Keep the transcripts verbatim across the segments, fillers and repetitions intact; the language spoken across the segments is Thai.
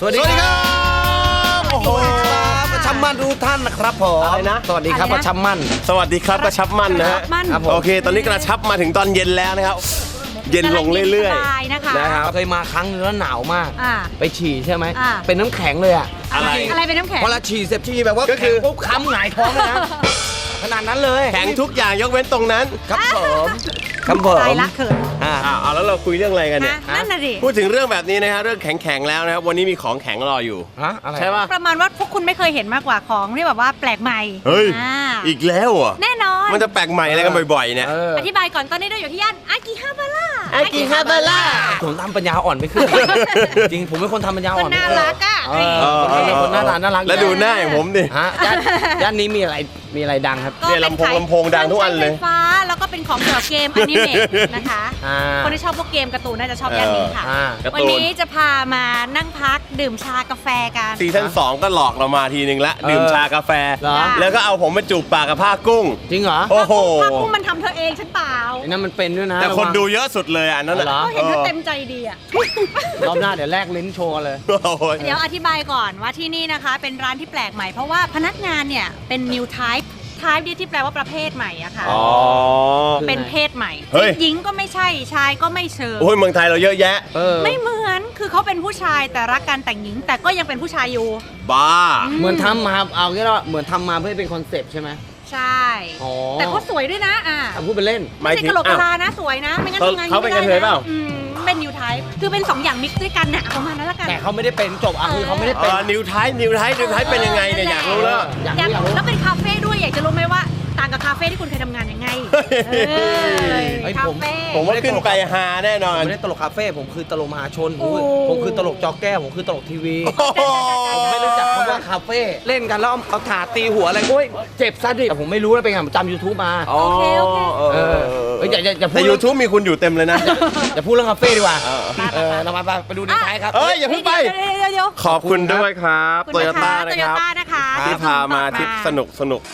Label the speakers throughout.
Speaker 1: วัสดีครับโอ้โหประชับมั่นทุกท่านนะครับผมอะไรนะสวัสดีครับประชับมั่น
Speaker 2: สวัสดีครับกระชับมั่นนะฮะโอเคตอนนี้กระชับมาถึงตอนเย็นแล้วนะครับเย็นลงเรื่อยๆนะครับ
Speaker 1: เคยมาครั้งนึงแล้วหนาวมากไปฉี่ใช่ไหมเป็นน้ำแข็งเลยอะ
Speaker 3: อะไรอะไรเป็นน้ำแข็ง
Speaker 1: พอเราฉี่เสร็จฉี่แบบว่าก็คือปุ๊บค้ำหงายท้องเลยนะขนาดนั้นเลย
Speaker 2: แข็งทุกอย่างยกเว้นตรงนั้น
Speaker 1: ครับผมครับผม
Speaker 3: ตายละเขิน
Speaker 2: อ่าเอาแล้วเราคุยเรื่องอะไรกันเนี่ย
Speaker 3: นั่นน่ะดิ
Speaker 2: พูดถึงเรื่องแบบนี้นะฮะเรื่องแข็งๆแล้วนะครับวันนี้มีของแข็งรออยู่
Speaker 1: ฮะอะไร
Speaker 2: ใช่ป่ะ
Speaker 3: ประมาณว่าพวกคุณไม่เคยเห็นมากกว่าของที่แบบว่าแปลกใหม่
Speaker 2: เฮ้ยอีกแล้วอ่ะ
Speaker 3: แน่นอน
Speaker 2: มันจะแปลกใหม่อะไรกันบ่อยๆเนี่ย
Speaker 3: อธิบายก่อนตอนนี้เราอยู่ที่ย่านอากิฮาบาระ
Speaker 2: อากิฮาบาระ
Speaker 1: ผมทำปัญญาอ่อนไม่ขึ้นจริงผมเป็นคนทำปัญญาอ่อน
Speaker 3: น่ารักอ่ะ
Speaker 1: คนน่ารักน่ารัก
Speaker 2: แล้วดูหน้าอย่างผมดิ
Speaker 1: ฮะย่านนี้มีอะไรมีอะไรดังครับ
Speaker 2: เนี่ยลำโพงลำโพงดังทุกอันเลย
Speaker 3: ไฟฟ้าแล้วก็เป็นของเกี่ยวกับเกมอนิเมะนะคะคนที่ชอบพวกเกมการ์ตูนน่าจะชอบย่านนี้ค่ะวันนี้จะพามานั่งพักดื่มชากาแฟกัน
Speaker 2: ซีซั่นสองก็หลอกเรามาทีนึงละดื่มชากาแฟแล้วก็เอาผมไปจูบปากกับผ้ากุ้ง
Speaker 1: จริงเหรอ
Speaker 2: โอ้โห
Speaker 3: ผ้ากุ้งมันทำเธอเองฉันเปล่า
Speaker 1: นั่นมันเป็นด้วยนะ
Speaker 2: แต่คนดูเยอะสุดเลยอ่ะนั่นแหละ
Speaker 3: เห็นเธอเต็มใจดีอ่ะ
Speaker 1: รอบหน้าเดี๋ยวแลกลิ้นโชว์เลย
Speaker 3: เดี๋ยวอธิบายก่อนว่าที่นี่นะคะเป็นร้านที่แปลกใหม่เพราะว่าพนักงานเนี่ยเป็น new type type ที่แปลว่าประเภทใหม่อะค่ะเป็นเพศใหม่หญิงก็ไม่ใช่ชายก็ไม่เชิง
Speaker 2: โอ้ยเมืองไทยเราเยอะแยะ
Speaker 3: ไม่เหมือนคือเขาเป็นผู้ชายแต่รักกันแต่งหญิงแต่ก็ยังเป็นผู้ชายอยู่
Speaker 2: บ้า
Speaker 1: เหมือนทำมาเอาแค่ว่าเหมือนทำมาเพื่อเป็นคอนเซปต์ใช่ไหม
Speaker 3: ใช่แต่เขาสวยด้วยนะอ่ะ
Speaker 1: พูดเป็นเล่น
Speaker 3: ไม่ใช่กะโหลกกะลานะสวยนะไม่งั้นทำงาน
Speaker 2: เขาเป็นกระเทยเปล่า
Speaker 3: เป็นนิวไทป์คือเป็นสองอย่างมิกซ์ด้วยกันน่ะประมาณนั้นละกัน
Speaker 1: แต่เขาไม่ได้เป็นจบอ่ะคือเขาไม่ได้เป็น
Speaker 2: นิวไทป์นิวไทป์นิวไทป์เป็นยังไงเนี่ยอยากรู้แล้ว
Speaker 3: อยากแล้วเป็นคาเฟ่ด้วยอยากจะรู้ไหมว่าต่างกับคาเฟ่ที่คุณเคยทำงานยังไง
Speaker 1: คาเฟ่
Speaker 2: ผมว่าขึ้นไปฮาแน่นอน
Speaker 1: ไม่ได้ตลกคาเฟ่ผมคือตลกมหาชนผมคือตลกจอแก้วผมคือตลกทีวีผมไม่รู้จักคำว่าคาเฟ่เล่นกันแล้วเอาถาตีหัวอะไรโอ้ยเจ็บซะดิแต่ผมไม่รู้นะเป็นไงผมจำยูทูบมา
Speaker 3: โอเคโอเค
Speaker 1: เอออย่าอย่าพูด
Speaker 2: แต่ยูทูบมีคุณอยู่เต็มเลยนะ
Speaker 1: อย่าพูดเรื่องคาเฟ่ดีกว่าเออเรามาไปดูในท้ายครับ
Speaker 2: เอ้ยอย่าเพิ่งไปขอบคุณด้วยครับโตโยต้านะครับที่พามาทริปสนุกสนุก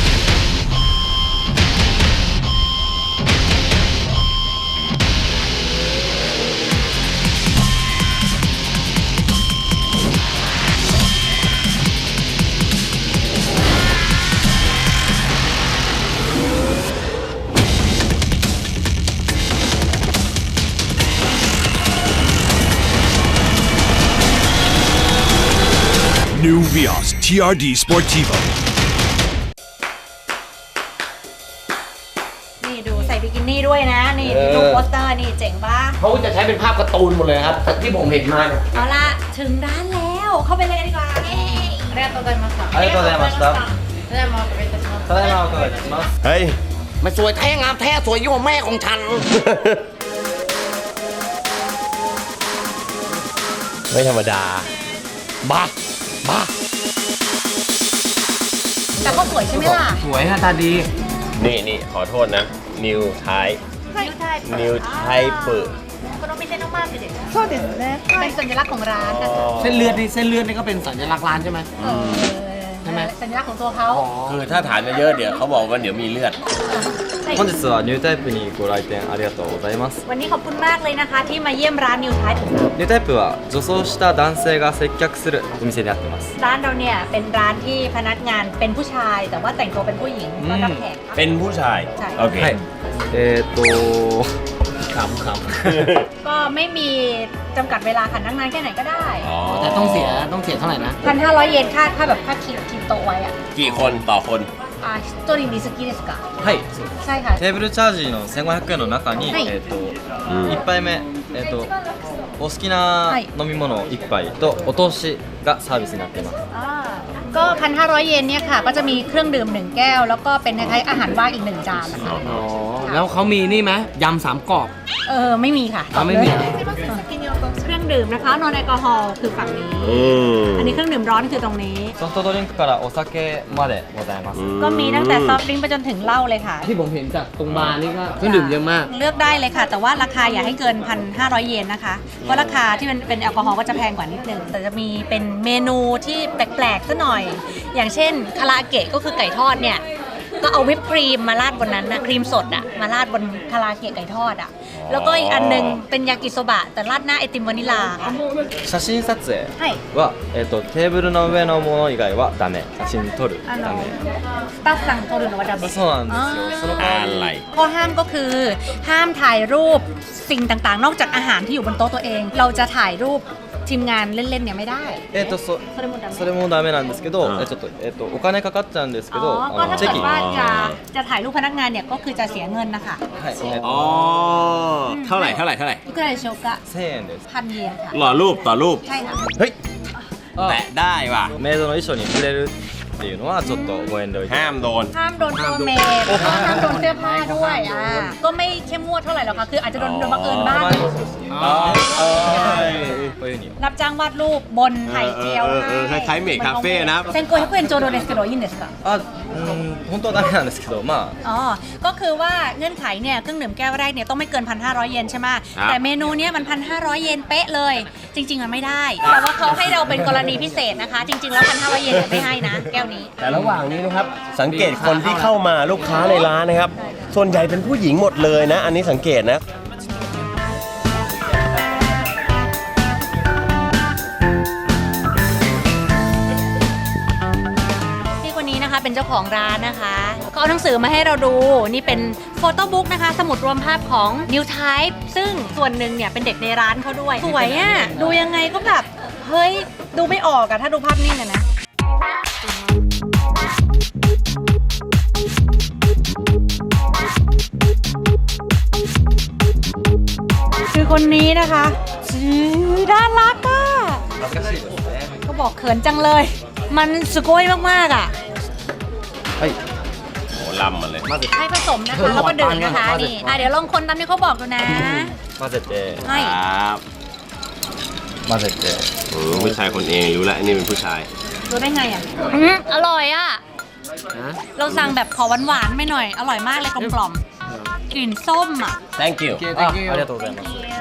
Speaker 4: New Vios ที อาร์ ดี Sportivo
Speaker 3: นี่ดูใส่บิกินี่ด้วยนะนี่ดูโปสเตอร์นี่เจ๋งปะ
Speaker 1: เขาจะใช้เป็นภาพการ์ตูนหมดเลยครับที่ผมเห็นมาเนี่ย
Speaker 3: เอาละถึงร้านแล้วเข้าไปเลยกันดีกว่าเย้ありがとうございました
Speaker 5: ありがとうございました
Speaker 3: ただいまお願いいたします
Speaker 5: ただいまお伺いいたします
Speaker 2: เฮ้ย
Speaker 1: มันสวยแท้งามแท้สวยยิ่งกว่าแม่ของฉัน
Speaker 2: ไม่ธรรมดา
Speaker 1: บ้าบ้า
Speaker 3: แต่ก็สวยใช่ไหมล่ะ
Speaker 1: สวยหน้าตาดี
Speaker 2: นี่นี่ขอโทษนะ New Type New Type
Speaker 3: この店のマークですそうですねเป็นสัญลักษณ์ของร้าน
Speaker 1: เส้นเลือดนี่เส้นเลือดนี่ก็เป็นสัญลักษณ์ร้านใช่ไหมใช่ไหม
Speaker 3: สัญลักษณ์ของตัวเขา
Speaker 2: คือถ้าฐานเยอะเดี๋ยวเขาบอกว่าเดี๋ยวมีเลือด
Speaker 5: 本日はニュータイプにご来店ありがとうございます
Speaker 3: วันนี้ขอบคุณมากเลยนะคะที่มาเยี่ยมร้าน New Type ของเรา
Speaker 5: ニュータイプは女装した男性が接客するお店になってます
Speaker 3: ร้านเราเนี่ยเป็นร้านที่พนักงานเป็นผู้ชายแต่ว่าแต่งตัวเป็นผู้หญิงต้อนรับแขก
Speaker 2: เป็นผู้ชายโอเค
Speaker 5: えーと
Speaker 1: ขำข
Speaker 3: ำก็ไม่มีจำกัดเวลาค่ะนั่งนานแค่ไหนก็ได้
Speaker 1: แต่ต้องเสียต้องเสียเท่าไหร่นะ
Speaker 3: พันห้าร้อย เยนค่าค่าแบบค่าคิวคิวโตไว้อะ
Speaker 2: กี่คนต่อคน
Speaker 3: อ่า一人につきですか
Speaker 5: はい
Speaker 3: ใช่ค่ะ
Speaker 5: テーブルチャージのせんごひゃくえんの中にえーといっぱいめえーとお好きな飲み物いっぱいとお通しがサービスになっています
Speaker 3: ก็พันห้าร้อยเยนเนี่ยค่ะก็จะมีเครื่องดื่มหนึ่งแก้วแล้วก็เป็นคล้ายๆอาหารว่างอีกหนึ่งจานนะคะ
Speaker 1: อ๋อแล้วเขามีนี่ไหมยำสามกรอบ
Speaker 3: เออไม่มีค่ะ
Speaker 1: ไม่มี
Speaker 3: เครื่องดื่มนะคะนอนแอลกอฮอล์คือฝั่งนี้อันนี้เครื่องดื่มร้อนคือตรงนี้
Speaker 5: ソフトドリンクからお酒までございます
Speaker 3: ก็มีตั้งแต่ซอฟต์ดริงก์ไปจนถึงเหล้าเลยค่ะ
Speaker 1: ที่ผมเห็นจากตรงบาร์นี่ก็เครื่องดื่มเยอะมาก
Speaker 3: เลือกได้เลยค่ะแต่ว่าราคาอย่าให้เกิน พันห้าร้อย เยนนะคะเพราะราคาที่มันเป็นแอลกอฮอล์ก็จะแพงกว่านิดนึงแต่จะมีเป็นเมนูที่แปลกๆซะหน่อยอย่างเช่นคาราเกะก็คือไก่ทอดเนี่ยก็เอาวิปครีมมาราดบนนั้นนะครีมสดอะมาราดบนคาราเกะไก่ทอดอะแล้วก็อีกอันหนึงเป็นยากิโซบะแต่ราดหน้าไอติมวานิลา
Speaker 5: 写真撮影
Speaker 3: ใช่
Speaker 5: は、えっと、テーブルの上のもの以外はダメ写真撮る
Speaker 3: อัน
Speaker 5: ダ
Speaker 3: นั้น
Speaker 5: メ
Speaker 3: สตาฟสั่งโทรหรือว่าดับเบิล
Speaker 5: そうなんですよその代わ
Speaker 2: อะไร
Speaker 5: り
Speaker 3: ข้อห้ามก็คือห้ามถ่ายรูปสิ่งต่างๆ นอกจากอาหารที่อยู่บนโต๊ะตัวเอง เราจะถ่ายรูปทีมงานเล่นๆเนี่ยไม่ได้
Speaker 5: えっとそ
Speaker 3: それもダメ
Speaker 5: それもダメなんですけど、
Speaker 2: うん
Speaker 5: えちょっとえっとお金かかっちゃうんですけ
Speaker 3: อ๋
Speaker 5: ど、
Speaker 3: อก็
Speaker 5: あ
Speaker 3: ถ้า
Speaker 5: のチェ
Speaker 3: เกิ
Speaker 5: キ
Speaker 3: ดว่าจะจะถ่ายรูปพนักงานเนี่ยก็คือจะเสียเงินนะคะ
Speaker 5: はいえっ
Speaker 2: อ๋อ เท่าไหร่เท่าไหร่เท่าไหร่
Speaker 3: ทุกรายโชกะ
Speaker 5: とせんえんです
Speaker 3: พันเยนค่ะ
Speaker 2: หล่อรูปต่อรูป
Speaker 3: ใช่ค่ะ
Speaker 2: เฮ้ย แตะได้ว่ะ
Speaker 5: メイドの衣装に触れるっていうのはちょっとご遠慮いただ
Speaker 2: ห้ามโดน
Speaker 3: ห้ามโดนตัวเมย์แล้วก็ห้ามโดนเสื้อผ้าด้วยอ่าก็ไม่เข้มงวดเท่าไหร่หรอกค่ะคืออาจจะโดนโดนบังเอิญบ้าง
Speaker 2: อ๋อเออ
Speaker 5: こういうふうに
Speaker 3: รับจ้างวาดรูปบนไข่เจียว
Speaker 2: เออเออเออคล้ายๆเมคคาเฟ่นะ
Speaker 3: เซนโกฮิคุเอนโจโดเดสเกโดยินเดสกะ
Speaker 5: あうん本当はダメなんですけどまあ
Speaker 3: อ๋อ ก็คือว่าเงื่อนไขเนี่ยเครื่องดื่มแก้วแรกเนี่ยต้องไม่เกิน หนึ่งพันห้าร้อย เยนใช่ไหม
Speaker 2: ครับ
Speaker 3: แต่เมนูเนี้ยมัน หนึ่งพันห้าร้อย เยนเป๊ะเลย จริง ๆ มันไม่ได้ แต่ว่าเขาให้เราเป็นกรณีพิเศษนะคะ จริง ๆ แล้ว หนึ่งพันห้าร้อย เยนเนี่ยไม่ให้นะ แก้วนี้
Speaker 2: แต่ระหว่างนี้นะครับ สังเกตคนที่เข้ามาลูกค้าในร้านนะครับ ส่วนใหญ่เป็นผู้หญิงหมดเลยนะ อันนี้สังเกตนะ
Speaker 3: พี่คนนี้นะคะเป็นเจ้าของร้านนะคะเขาเอาหนังสือมาให้เราดู นี่เป็นโฟโต้บุ๊กนะคะ สมุดรวมภาพของ New Type ซึ่งส่วนหนึ่งเนี่ยเป็นเด็กในร้านเขาด้วย สวยอ่ะ ดูยังไงก็แบบ เฮ้ย ดูไม่ออกอะถ้าดูภาพนิ่งอะนะ คือคนนี้นะคะชื่อน่ารักอ่ะ
Speaker 5: 恥ずかしいですね
Speaker 3: ก็บอกเขินจังเลย มันสโกยมากๆอ่ะ
Speaker 5: はい
Speaker 2: โหล่ำมาเลย
Speaker 5: 混ぜ
Speaker 3: ให้ผสมนะคะ แล้วก็ดื่มนะคะ นี่อ่ะเดี๋ยวลองคนตามที่เขาบอกดูนะ
Speaker 5: 混ぜて
Speaker 3: ให้
Speaker 2: ครับ
Speaker 5: 混ぜて
Speaker 2: อืมผู้ชายคนเองรู้แล้วนี่เป็นผู้ชาย
Speaker 3: รู้ได้ไงอ่ะอืมอร่อยอ่ะ เราสั่งแบบขอหวานๆไม่หน่อย อร่อยมากเลยกลมกล่อมๆกลิ่นส้มอ่ะ
Speaker 2: thank you
Speaker 5: あありがとうございます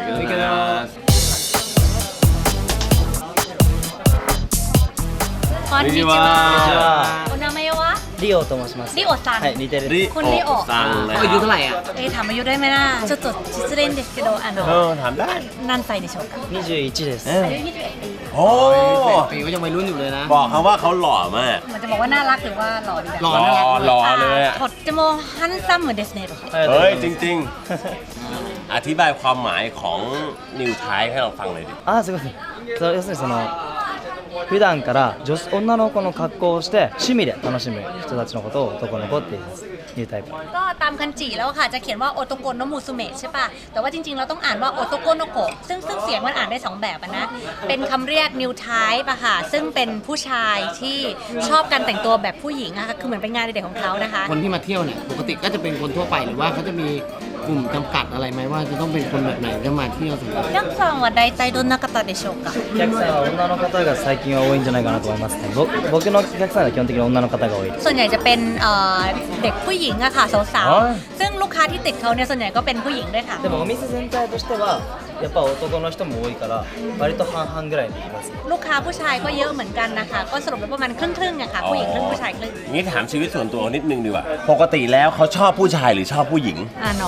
Speaker 3: こんにちはお名前は
Speaker 5: リオと申します
Speaker 3: リオさん
Speaker 5: はい似てる
Speaker 2: ริ
Speaker 3: คุณลิโอ
Speaker 2: ซังนะ
Speaker 1: อายุเท่าไหร่อ่ะ
Speaker 3: เอ๊ะถามอายุได้ไหมล่ะちょっと失礼ですけどあ
Speaker 2: เอ
Speaker 3: の
Speaker 2: อถามได้
Speaker 3: 何歳でしょうか
Speaker 5: にじゅういちです
Speaker 3: อายุยี่สิบเอ็ดปี
Speaker 2: โอ้
Speaker 1: ปีก็ยังวัยรุ่นอยู่เลยนะ
Speaker 2: บอกเขาว่าเขาหล่อมาก
Speaker 3: มันจะบอกว่าน่ารักหรือว่าหล่อดี
Speaker 1: หล่อ
Speaker 2: หล่อหล่อเลยอะ
Speaker 3: とってもハンサムですね
Speaker 2: เฮ้ย จริง ๆ อธิบายความหมายของนิวไทป์ให้เราฟังเลยดิ
Speaker 5: あすごいそう要するにその普段から女女の子の格好をして趣味で楽しむ人たちのことを男の子って言いますニュータイプ
Speaker 3: ก็ตามคันจิแล้วค่ะจะเขียนว่าโอโตโกโนมูซุเมะใช่ป่ะ แต่ว่าจริงๆ เราต้องอ่านว่าโอโตโกโนโกะซึ่งซึ่งเสียงมันอ่านได้สองแบบอะนะ เป็นคำเรียก new type อะค่ะ ซึ่งเป็นผู้ชายที่ชอบการแต่งตัวแบบผู้หญิงอะค่ะคือเหมือนเป็นงานเด็กของเขานะคะ
Speaker 1: คนที่มาเที่ยวเนี่ยปกติก็จะเป็นคนทั่วไปหรือว่าเขาจะมีกลุ่มจำกัดอะไรไหมว่าจะต้องเป็นคนแบบไหนจะมาเที่ยวสำหรับ
Speaker 3: ยักษ์さんは大体どんな方でしょうか
Speaker 5: お客さんは女の方が最近は多いんじゃないかなと思いますねぼ僕のお客さんは基本的に女の方が多い
Speaker 3: ส่วนใหญ่จะเป็นเอ่อเด็กผู้หญิงอะค่ะสาว
Speaker 5: อ๋อ
Speaker 3: ๆ ซึ่งลูกค้าที่ติดเขาเนี่ยส่วนใหญ่ก็เป็นผู้หญิงด้วยค่ะ
Speaker 5: でもお店全体としてはやっぱ男の人も多いから割と半々ぐらいにいます
Speaker 3: ลูกค้าผู้ชายก็เยอะเหมือนกันนะคะ ก็สรุปแล้วประมาณครึ่งๆอะค่ะ ผู้หญิงครึ่งผู้ชายครึ่ง
Speaker 2: งี้ถามชีวิตส่วนตัวนิดนึงดีกว่า ปกติแล้วเขาชอบผู้ชายหรือชอบผู้หญิง
Speaker 3: あの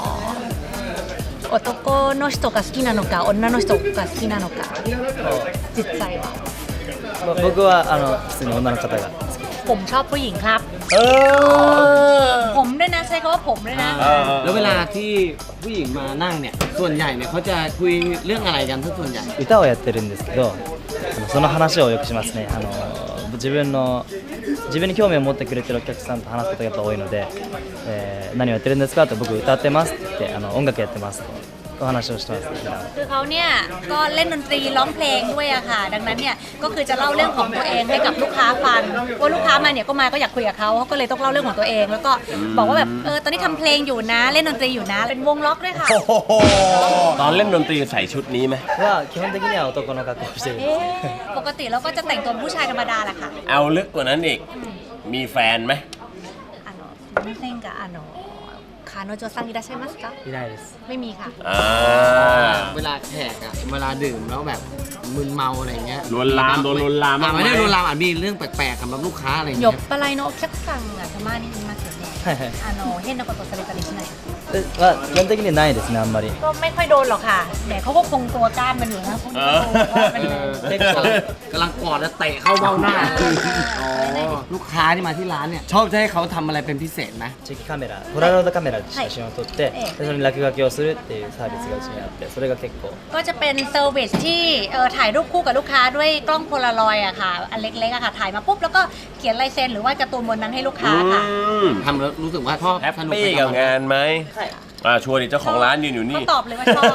Speaker 3: 男の人が好きなのか女の人が好きなのか実際は
Speaker 5: まあ僕はあの普通に女の方が好き
Speaker 3: ผมชอบผู้หญิงครับ
Speaker 2: เออ
Speaker 3: ผมด้วยนะใช้คำว่าผมด้วยนะ
Speaker 2: เออ
Speaker 1: แล้วเวลาที่ผู้หญิงมานั่งเนี่ยส่วนใหญ่เนี่ยเขาจะคุยเรื่องอะไรกันถ้าส่วนใหญ่
Speaker 5: 歌をやってるんですけどあのその話をよくしますねあの自分の自分に興味を持ってくれてるお客さんと話すことがやっぱ多いので、えー何をやってるんですかって僕歌ってますって言ってあの音楽やってますとお話をしてます普段
Speaker 3: คือเขาเนี่ยก็เล่นดนตรีร้องเพลงด้วยอะค่ะ ดังนั้นเนี่ยก็คือจะเล่าเรื่องของตัวเองให้กับลูกค้าฟังว่าลูกค้ามาเนี่ยก็มาก็อยากคุยกับเขาเขาก็เลยต้องเล่าเรื่องของตัวเอง แล้วก็บอกว่าแบบเออตอนนี้ทำเพลงอยู่นะเล่นดนตรีอยู่นะเป็นวงล็อกด้วยค่ะ
Speaker 2: โอ้โหตอนเล่นดนตรีใส่ชุดนี้ไหม
Speaker 5: は基本的には男の格好をしてるんで
Speaker 3: เอ๊
Speaker 5: す
Speaker 3: ะปกติเราก็จะแต่งตัวผู้ชายธรรมดาแหละค่ะ
Speaker 2: เอาลึกกว่านั้นอีก มีแฟนไหม
Speaker 3: あのすみませんがあの彼คาโนโจซังいらっしゃいますか
Speaker 5: いないです。
Speaker 3: ไม่มีค่ะ
Speaker 2: อ่า
Speaker 1: เวลาแขกอะเวลาดื่มแล้วแบบมึนเมาอะไรเงี้ย
Speaker 2: ลวนลามโดนลวนลาม
Speaker 1: อ่ะ
Speaker 2: บ้างไหม
Speaker 1: ไม่ได้ลวนลามอ่ะมีเรื่องแปลกๆกับลูกค้าอะไร
Speaker 3: หย
Speaker 1: เงี้
Speaker 3: บ
Speaker 1: ย
Speaker 3: ปลายโนお客さんがたまにいますよね
Speaker 5: はいはい。
Speaker 3: あの変なことされたりしない
Speaker 5: えまあ基本的にないですねあんまり。
Speaker 3: ก็ไม่ค่อยโดนหรอกค่ะแต่เขาก็คงตัวกล้ามมันอยู่นะพวกนี้ก็ดูว่ามัน
Speaker 1: เออกำลังกอดแล้วเตะเข้าเบ้าหน้าอ๋อลูกค้าที่มาที่ร้านเนี่ยชอบจะให้เขาทำอะไรเป็นพิเศษไหม
Speaker 5: チェキカメラ、ポラロイドカメラで写真を撮って、
Speaker 3: ええ
Speaker 5: でそれに落書きをするっていうサービスがうちにあって、それが結構。
Speaker 3: ก็จะเป็นเซอร์วิสที่เออถ่ายรูปคู่กับลูกค้าด้วยกล้องโพลารอยด์อะค่ะอันเล็กๆอะค่ะถ่ายมาปุ๊บแล้วก็เขียนลายเซ็นหรือว่าการ์ตูนบนนั้นให้ลูกค้าค่ะ
Speaker 2: อืม
Speaker 1: ทำแล้วรู้สึกว่าชอบ
Speaker 2: แฮป
Speaker 1: สนุก
Speaker 2: ปี้
Speaker 1: ไป
Speaker 2: กับ
Speaker 1: มัน
Speaker 2: งานไหมอ่าชวนดิเจ้าของร้านยืนอยู่นี่
Speaker 3: เขาตอบเลยว่าชอบ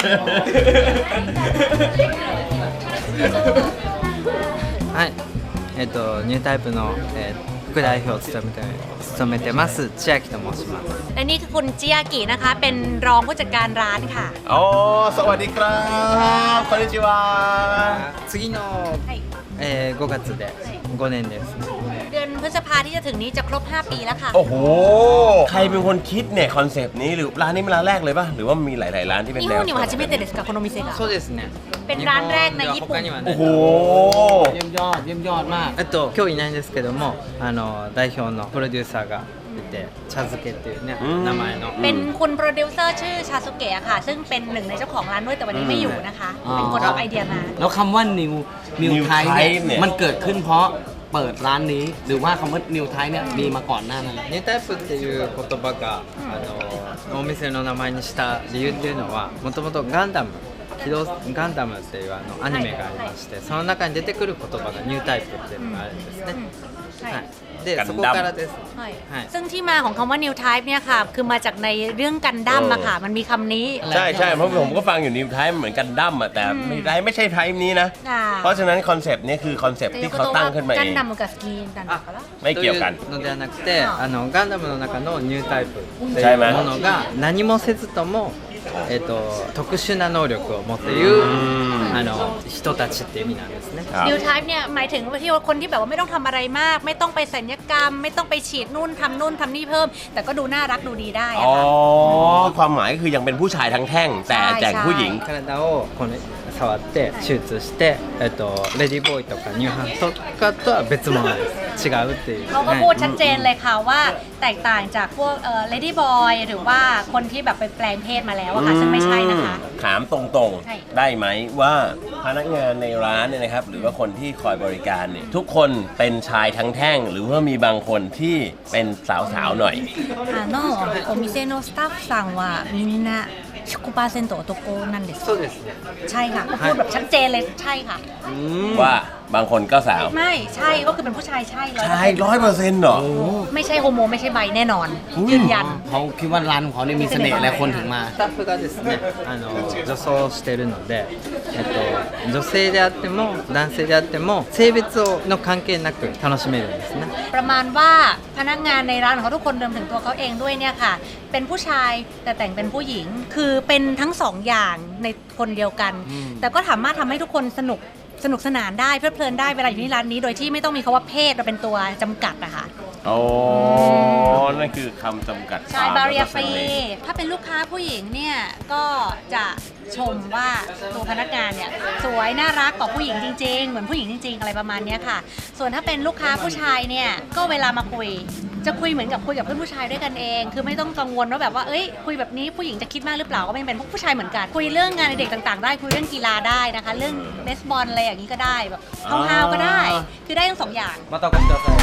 Speaker 6: はい、えっ、とニュータイプの、えー副代表を務めて務めてます千秋と申します。
Speaker 3: และนี่คือคุณจิยากินะคะ เป็นรองผู้จัดการร้านค่ะ
Speaker 2: อ๋อสวัสดีครับこんにちは
Speaker 6: 次の、
Speaker 3: はい
Speaker 6: えー、ごがつでごねんです。
Speaker 3: เดือนพฤษภาที่จะถึงนี้จะครบห้าปีแล้วค่ะ
Speaker 2: โอ้โหใครเป็นคนคิดเนี่ยคอนเซปต์นี้หรือร้านนี้เป็นร้านแรกเลยป่ะหรือว่ามีหลาย ๆ ร้านที่เป็น
Speaker 3: นี่
Speaker 2: แน
Speaker 3: ฮ
Speaker 2: ว
Speaker 3: うには初めてですかこの店が
Speaker 6: そうですね。
Speaker 3: เป็นร้านแรกในญี่ปุ่น
Speaker 6: 日本では他にはな
Speaker 2: โอ้
Speaker 6: い
Speaker 2: โห
Speaker 1: เยี่ยมยอดเยี่ยมยอดมาก
Speaker 6: えっと今日いないんですけども、あの代表のプロデューサーがいて、茶漬けっていうね
Speaker 2: うん
Speaker 6: 名前の。
Speaker 3: เป็นคุณโปรดิวเซอร์ชื่อชาสุเกะค่ะ ซึ่งเป็นหนึ่งในเจ้าของร้านด้วยแต่วันนี้ไม่อยู่นะคะ เป็นคนเอาไอเดียมา
Speaker 1: แล้วคำว่า new new
Speaker 2: New
Speaker 1: type
Speaker 2: Type เนี่
Speaker 1: เนี่ย ยมันเกิดขึ้นเพราะเปิดร้านนี้ หรือว่าคำว่า new type เนี่ยมีมาก่อนหน้านั้น
Speaker 6: ニュータイプっていう言葉が、あのお店の名前にした理由っていうのはもともとガンダム機動ガンダムっていうあのアニメがありまして、その中に出てくる言葉がニュータイプっていうのがあるんですね、
Speaker 3: ใช่
Speaker 6: はい、で
Speaker 2: ガンダム
Speaker 6: そこからです
Speaker 3: ใช่
Speaker 6: はい
Speaker 3: ซึ่งที่มาของคำว่า new type เนี่ยค่ะ คือมาจากในเรื่องกันดั้มอะค่ะ มันมีคำนี้
Speaker 2: ใช่ใช่เพราะผมก็ฟังอยู่นิวไทป์เหมือนกันดั้มอะแต่ไม่ได้ไม่ใช่ไทป์นี้นะ
Speaker 3: อ่า
Speaker 2: เพราะฉะนั้นคอนเซปต์นี้คือคอนเซปต์ที่เขาตั้งขึ้นมาเอ
Speaker 3: กัน
Speaker 2: ง
Speaker 3: ดั้มกับสกีนกันだから
Speaker 2: ไม่เกี่ยวกัน
Speaker 6: というのではなくて、あのガンダムの中のニュータイプって
Speaker 2: ใช่
Speaker 6: いう
Speaker 2: ไหม
Speaker 6: ものが何もせずとも、えっと特殊な能力を持っているあの人たちっていう意味なんですね。
Speaker 2: ครับ
Speaker 3: new type เนี่ยหมายถึงว่าที่ว่าคนที่แบบว่าไม่ต้องทำอะไรมาก ไม่ต้องไปสัญญกรรม ไม่ต้องไปฉีดนู่นทำนู่นทำนี่เพิ่ม แต่ก็ดูน่ารักดูดีได้อะ
Speaker 2: อ๋อ
Speaker 3: ค่ะ
Speaker 2: ความหมายคือยังเป็นผู้ชายทั้งแท่ง แต่
Speaker 3: ใช่
Speaker 2: แจกผู้หญิง
Speaker 6: 体をこの触って手術して、えっとレディーボーイとかニューハンとかとは別物です。違うっていう。
Speaker 3: เขาก็พูดชัดเจนเลยค่ะว่าแตกต่างจากพวกเอ่อ lady boy หรือว่าคนที่แบบไปแปลงเพศมาแล้วอะค่ะ ซึ่งไม่ใช่นะคะ
Speaker 2: ถามตรง
Speaker 3: ใช่
Speaker 2: ๆ ได้ไหมว่าพนักงานในร้านเนี่ยนะครับ หรือว่าคนที่คอยบริการเนี่ยทุกคนเป็นชายทั้งแท่ง หรือว่ามีบางคนที่เป็นสาวๆหน่อย
Speaker 3: あのお店のスタッフさんはみんなひゃくパーセント男なんです
Speaker 6: そうですね。
Speaker 3: ใช่ค่ะก็พูดแบบชัดเจนเลยใช่ค่ะ
Speaker 2: ว่าบางคนก็สาว
Speaker 3: ไม่ใช่ก็คือเป็นผู้ชายใช่ร้อย
Speaker 2: ชายร้อยเปอร์เซ็นต์เหรอ
Speaker 3: ไม่ใช่โฮโมไม่ใช่ไบแน่นอน ยืนยัน
Speaker 1: เขาคิดว่าร้านของเขาเนี่ยมีเสน่ห์อะไรคนถึงมา
Speaker 6: スタッフがですね、あの女装をしているので、えっと女性であっても男性であっても性別の関係なく楽しめるんですね。
Speaker 3: ประมาณว่าพนักงานในร้านของเขาทุกคนรวมถึงตัวเขาเองด้วยเนี่ยค่ะ เป็นผู้ชายแต่แต่งเป็นผู้หญิง คือเป็นทั้งสองอย่างในคนเดียวกัน แต่ก็สามารถทำให้ทุกคนสนุกสนุกสนานได้เพลิดเพลินได้เวลาอยู่ที่ร้านนี้โดยที่ไม่ต้องมีคำว่าเพศเราเป็นตัวจำกัดอะค่ะ
Speaker 2: อ๋อ นั่นคือคำจำกัด
Speaker 3: ใช่
Speaker 2: ความ
Speaker 3: บาเรีย
Speaker 2: แล้วก็
Speaker 3: ฟรี
Speaker 2: เสน่ห์
Speaker 3: ถ้าเป็นลูกค้าผู้หญิงเนี่ยก็จะชมว่าตัวพนักงานเนี่ยสวยน่ารักกว่าผู้หญิงจริงๆ เหมือนผู้หญิงจริงๆ อะไรประมาณเนี้ยค่ะ ส่วนถ้าเป็นลูกค้าผู้ชายเนี่ยก็เวลามาคุย จะคุยเหมือนกับคุยกับเพื่อนผู้ชายด้วยกันเอง คือไม่ต้องกังวลว่าแบบว่าเอ้ยคุยแบบนี้ผู้หญิงจะคิดมากหรือเปล่าก็ไม่เป็นพวกผู้ชายเหมือนกันคุยเรื่องงานในเด็กต่างๆ ได้คุยเรื่องกีฬาได้นะคะ เรื่องเบสบอลอะไรอย่างนี้ก็ได้แบบห้าวๆก็ได้ คือได้ทั้งสองอย่าง
Speaker 5: またお越しください。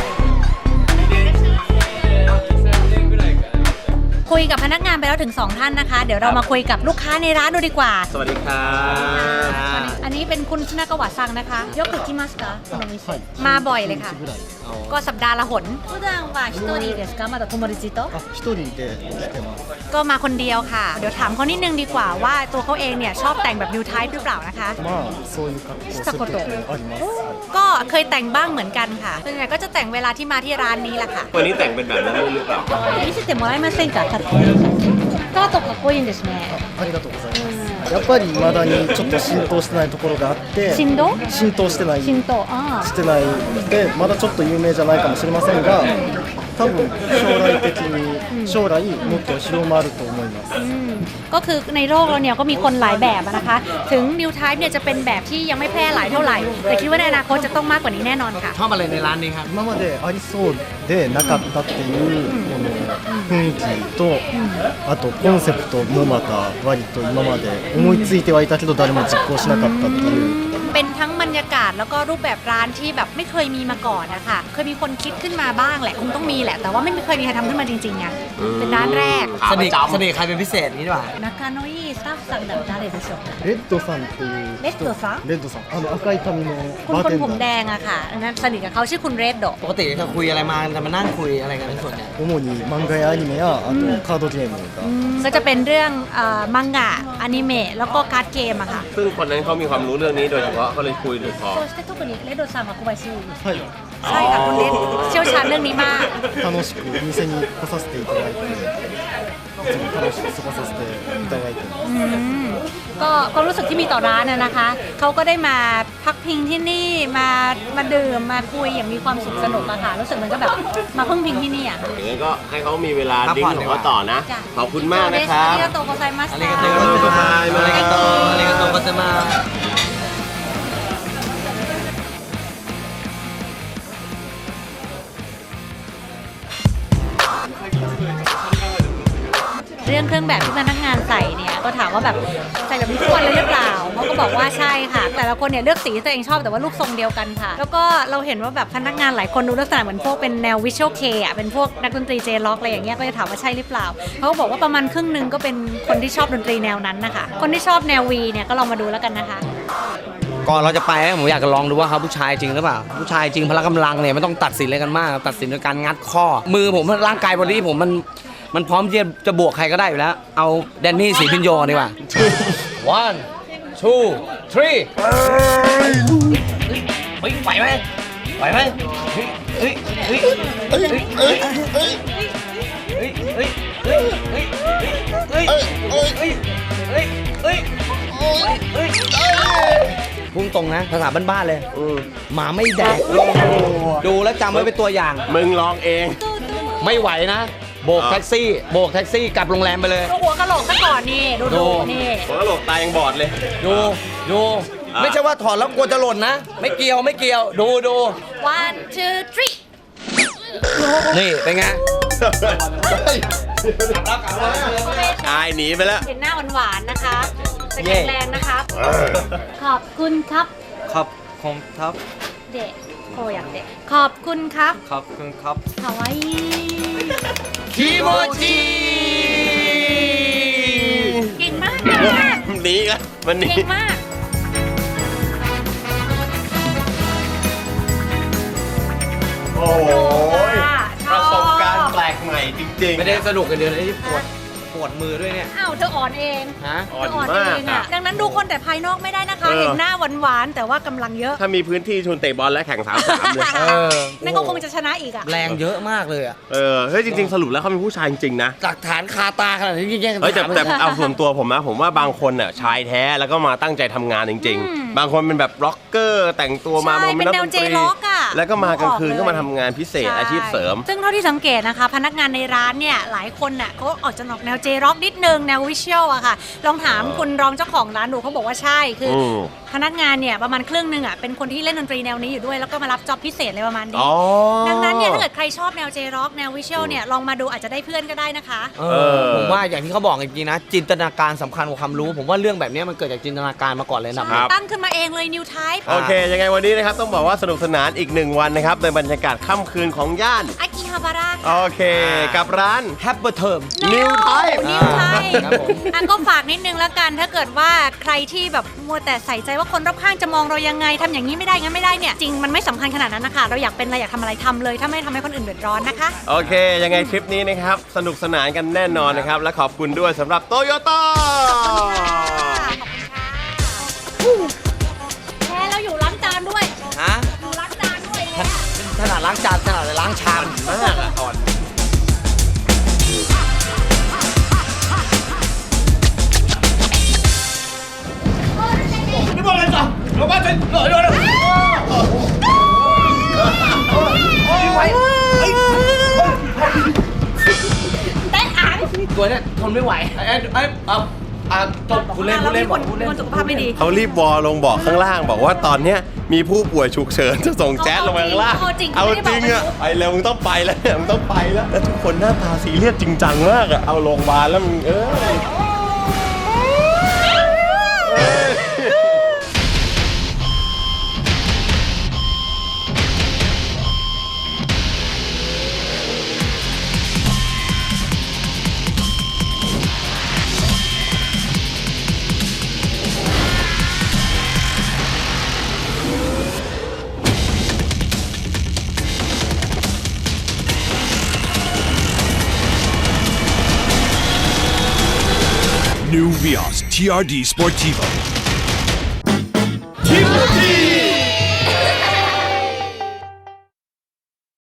Speaker 3: คุยกับพนักงานไปแล้วถึงสองท่านนะคะ เดี๋ยวเรามาคุยกับลูกค้าในร้านดูดีกว่า
Speaker 2: สวัสดีครับ
Speaker 3: อันนี้เป็นคุณชนากาวะซังนะคะยกคุกิมัสกะมาบ่อยเลยค่ะ ก็สัปดาห์ละหน普段は一人ですかまだ友達と
Speaker 7: 一人で来てます。
Speaker 3: ก็มาคนเดียวค่ะ เดี๋ยวถามเขานิดนึงดีกว่าว่าตัวเขาเองเนี่ยชอบแต่งแบบ new type หรือเปล่านะคะ
Speaker 7: まあそういう格好をする時もあります。はい
Speaker 3: ก็เคยแต่งบ้างเหมือนกันค่ะส่วนใหญ่ก็จะแต่งเวลาที่มาที่ร้านนี้แหละค่ะ
Speaker 2: วันนี้แต่งเป็นแบบนั้นด้วยหรือเปล่า
Speaker 3: 見せてもらえませんかかっこいいスカートかっこいいんですね
Speaker 7: ありがとうございます。 やっぱり未だにちょっと浸透してないところがあって
Speaker 3: 振動
Speaker 7: 浸透してない
Speaker 3: 浸透あ
Speaker 7: してないでまだちょっと有名じゃないかもしれませんが多分将来的に将来もっと広まると思います
Speaker 3: ก็คือในโลกเราเนี่ยก็มีคนหลายแบบนะคะ ถึง New Type เนี่ยจะเป็นแบบที่ยังไม่แพร่หลายเท่าไหร่ แต่คิดว่าในอนาคตจะต้องมากกว่านี้แน่นอนค่ะ
Speaker 1: ชอบอะไรในร้านนี้ครับ
Speaker 7: 今までありそうでなかったっていうこの雰囲気とあとコンセプトもまた割と今まで思いついてはいたけど誰も実行しなかったっていう
Speaker 3: เป็นทั้งบรรยากาศแล้วก็รูปแบบร้านที่แบบไม่เคยมีมาก่อนนะคะเคยมีคนคิดขึ้นมาบ้างแหละคงต้องมีแหละแต่ว่าไม่เคยมีใครทำขึ้นมาจริงๆไงเป็นร้านแรก
Speaker 1: สนิทสนิทใครเป็นพิเศษนี้ดีกว่า
Speaker 3: นากาโนอิสตาฟซังดับ誰でしょうか
Speaker 7: レッドさんっていう
Speaker 3: レッドさん
Speaker 7: レッドさんあの赤い髪の
Speaker 3: คุณ
Speaker 7: バー
Speaker 3: คน
Speaker 7: テン
Speaker 3: ผมแด
Speaker 7: ダー
Speaker 3: งอะค่ะอันนั้นสนิทกับเขาชื่อคุณเรดโด
Speaker 1: ปกติจะคุยอะไรมาจะมานั่งคุยอะไรกันเป็นส่วนใหญ่
Speaker 7: 主に漫画やアニメやあとカードゲームが
Speaker 3: ก็จะเป็นเรื่องเอ่อมังงะอนิเมะแล้วก็การ์ดเกมอะค่ะ
Speaker 2: ซึ่งคนนั้นเขามีความรู้เรื่องนี้โดยเฉพาะเขาเลยคุยหรือพอ
Speaker 3: そして特にレッドさんは小林優
Speaker 7: はい
Speaker 3: ใช่ค่ะคุณเรดเชี่ยวชาญเรื่องนี้มาก
Speaker 7: 楽しくお店に来させていただいていつも楽しく過ごさせていただいてます
Speaker 3: อืมก็ความรู้สึกที่มีต่อร้านน่ะนะคะ เขาก็ได้มาพักพิงที่นี่มามาดื่มมาคุยอย่างมีความสุขสนุกอะค่ะรู้สึกเหมือนกับแบบมาพึ่งพิงที่นี่อะค่ะ
Speaker 2: อย่างนั้นก็ให้เขามีเวลา
Speaker 1: พัก
Speaker 2: ดิ้ง
Speaker 1: ผ่อน
Speaker 2: ของ
Speaker 1: ดีกว่า
Speaker 2: เขาต่อนะ
Speaker 3: จ้ะ
Speaker 2: ขอบคุณมากนะครับ
Speaker 3: อาริกาโตโกไซมัส
Speaker 1: อะไรกันเตอร์อะไรกันเตอร์อะไรกันเตอร์ก็จะมา
Speaker 3: เรื่องเครื่องแบบที่พนักงานใส่เนี่ยก็ถามว่าแบบใส่แบบนี้ทุกวันเลยหรือเปล่าเขาก็บอกว่าใช่ค่ะ แต่ละคนเนี่ยเลือกสีที่ตัวเองชอบแต่ว่ารูปทรงเดียวกันค่ะ แล้วก็เราเห็นว่าแบบพนักงานหลายคนดูลักษณะเหมือนพวกเป็นแนววิชวลเคอ่ะเป็นพวกนักดนตรีเจล็อกอะไรอย่างเงี้ยก็จะถามว่าใช่หรือเปล่าเขาก็บอกว่าประมาณครึ่งหนึงก็เป็นคนที่ชอบดนตรีแนวนั้นนะคะคนที่ชอบแนววีเนี่ยก็ลองมาดูแล้วกันนะคะ
Speaker 1: ก่อนเราจะไปผมอยากจะลองดูว่าเขาผู้ชายจริงหรือเปล่าผู้ชายจริงพละกำลังเนี่ยไม่ต้องตัดสินอะไรกันมาก ตัดสินโดยการงัดข้อ มือผมร่างกายบอดี้ผมมันมันพร้อมที่จะบวกใครก็ได้อยู่แล้ว เอาแดนนี่สีพินโยดีกว่า one two three เฮ้ยไหวไหมไหวไหมเฮ้ยเฮ้ยเฮ้ยเฮ้ยเฮ้ยเฮ้ยเฮ้ยเฮ้ยเฮ้ยเฮ้ยเฮ้ยเฮ้ยเฮ้ยเฮ้ยเฮ้ยพุ่งตรงนะภาษาบ้านๆเลยหมาไม่แดกดูแล้วจำไว้เป็นตัวอย่าง
Speaker 2: มึงลองเอง
Speaker 1: ไม่ไหวนะโบกแท็กซี่โบกแท็กซี่กลับโรงแรมไปเลย
Speaker 3: ดูหัวกะโหลกซะก่อนนี่ดู
Speaker 1: ดู
Speaker 3: ดูนี่
Speaker 2: ผมก็โหลกตายังบอดเลย
Speaker 1: ดูดู
Speaker 2: อ่ะ
Speaker 1: ไม่ใช่ว่าถอดแล้วกลัวจะหล่นนะ ไม่เกี่ยวไม่เกี่ยวดูดู
Speaker 3: one two three
Speaker 1: นี่เป็นไง
Speaker 2: ชายหนีไปแล้ว
Speaker 3: เห็นหน้าหวานๆนะคะจะแข็งแรงนะครับ ขอบคุณครับ
Speaker 6: ครับคอมทับ
Speaker 3: เด็กโคอยากเด็กขอบคุณครับ
Speaker 6: ขอบคุณครับ
Speaker 3: คาวาอิ
Speaker 1: คิโมจิ
Speaker 3: เก่งมาก
Speaker 2: หนีกันมันหนี
Speaker 3: เก่งมาก
Speaker 2: โอ้โห
Speaker 3: ช
Speaker 2: ป
Speaker 3: อบ
Speaker 2: ระสบการณ์แปลกใหม่จริงๆ
Speaker 1: ไม่ได้สนุกกันเดียวที่ปวดปวดมือด้วยเนี่ย
Speaker 3: อ้าวเธออ่อนเอง
Speaker 1: ฮะ
Speaker 2: อ่อน
Speaker 3: เธออ่อน
Speaker 2: มาก
Speaker 3: เอง
Speaker 2: อะ
Speaker 3: อ่ะดังนั้นดูคนแต่ภายนอกไม่ได้นะคะ
Speaker 2: เออ
Speaker 3: เห็นหน้าหวานๆแต่ว่ากำลังเยอะ
Speaker 2: ถ้ามีพื้นที่ชวนเตะบอลและแข่งสามสามเลย
Speaker 1: เออ
Speaker 3: นั่นก็คงจะชนะอีกอ่ะ
Speaker 1: แรงเยอะมากเลยอะ
Speaker 2: เออ เฮ้ย จริง ๆ สรุปแล้วเขาเป็นผู้ชายจริง ๆ นะ
Speaker 1: หลักฐานคาตาขนาดนี้แย่งกัน
Speaker 2: เฮ้ยแต่
Speaker 1: ถาม
Speaker 2: แต่เอาส่วนตัวผมนะ ผมว่าบางคนน่ะชายแท้แล้วก็มาตั้งใจทำงานจริง ๆ บางคนเป็นแบบร็อกเกอร์แต่งตัวมา
Speaker 3: ใช่
Speaker 2: บางคนเป็นนักดนต
Speaker 3: เป็น
Speaker 2: รี
Speaker 3: แนว J-Rock อะ
Speaker 2: แล้วก็มากลางคืน
Speaker 3: ออกเลย
Speaker 2: ก็มาทำงานพิเศษ
Speaker 3: ใช่
Speaker 2: อาชีพเสริม
Speaker 3: ซึ่งเท่าที่สังเกตนะคะ พนักงานในร้านเนี่ยหลายคนน่ะเขาออกจะออกแนวเจร็อกนิดนึงแนววิชวลอะค่ะ ลองถามคุณรองเจ้าของร้านดูเขาบอกว่าใช่คืออ
Speaker 2: ม
Speaker 3: พนักงานเนี่ยประมาณครึ่งหนึงอะเป็นคนที่เล่นดนตรีแนวนี้อยู่ด้วยแล้วก็มารับจ็อบพิเศษอะไรประมาณนี้
Speaker 2: อ๋อ
Speaker 3: ดังนั้นเนี่ยถ้าเกิดใครชอบแนวเจร็อกแนววิชวลเนี่ยลองมาดูอาจจะได้เพื่อนก็ได้นะคะ
Speaker 1: เออผมว่าอย่างที่เขาบอกจริงๆนะ จินตนาการสำคัญกว่าความรู้ ผมว่าเรื่องแบบนี้มันเกิดจากจินตนาการมาก่อนเลยนะ
Speaker 2: ครับ
Speaker 3: ตั้งขึ้นมาเองเลย New Type
Speaker 2: โอเค ยังไงวันนี้นะครับ ต้องบอกว่าสนุกสนานอีกหนึ่งวันนะครับในบรรยากาศค่ำคืนของย่าน
Speaker 3: อากิฮาบาระ
Speaker 2: โอเค กับร้าน
Speaker 1: แฮปเปอร์เทอม
Speaker 2: New Type
Speaker 3: นิวไทย
Speaker 1: ครับผม
Speaker 3: อ่ะก็ฝากนิดนึงแล้วกัน ถ้าเกิดว่าใครที่แบบมัวแต่ใส่ใจว่าคนรอบข้างจะมองเรายังไงทำอย่างนี้ไม่ได้งั้นไม่ได้เนี่ยจริงมันไม่สำคัญขนาดนั้นนะคะเราอยากเป็นอะไรอยากทำอะไรทำเลยถ้าไม่ทำให้คนอื่นเดือดร้อนนะคะ
Speaker 2: โอเค ยังไงทริปนี้นะครับ สนุกสนานกันแน่นอนนะครับ และขอบคุณด้วยสำหรับโตโยต้า
Speaker 3: แพ้แล้วอยู่ล้างจานด้วย
Speaker 1: ฮะ
Speaker 3: อยู่ล้างจานด้วย
Speaker 1: ขนาดล้างจานขนาดล้างชาม
Speaker 2: มากอะอ่อน adesso! Lo faccio! No, no, no!
Speaker 3: แต่อ่าน
Speaker 1: ตัวเนี้ยทนไม่ไหวไอ้ไอ้เอาอ่ะจบคุณเล่นคุณเล่น
Speaker 3: คน
Speaker 1: คุณเล่น
Speaker 3: คนสุขภาพไม่ดี
Speaker 2: เขารีบวอลลงบอกข้างล่างบอกว่าตอนเนี้ยมีผู้ป่วยฉุกเฉินจะส่งแจ๊สลงมาข้างล่าง
Speaker 3: เอาจริง
Speaker 2: เอา
Speaker 3: ไม่ได้
Speaker 2: จ
Speaker 3: บอก
Speaker 2: ริงอะไปแล้วมึงต้องไปแล้วเนี่ยมึงต้องไปแล้วแล้วทุกคนหน้าตาซีเรียสจริงจังมากอะเอาโรงพยาบาลแล้วมึงเออ
Speaker 4: New Vios T R D Sportivo.
Speaker 2: ทีมที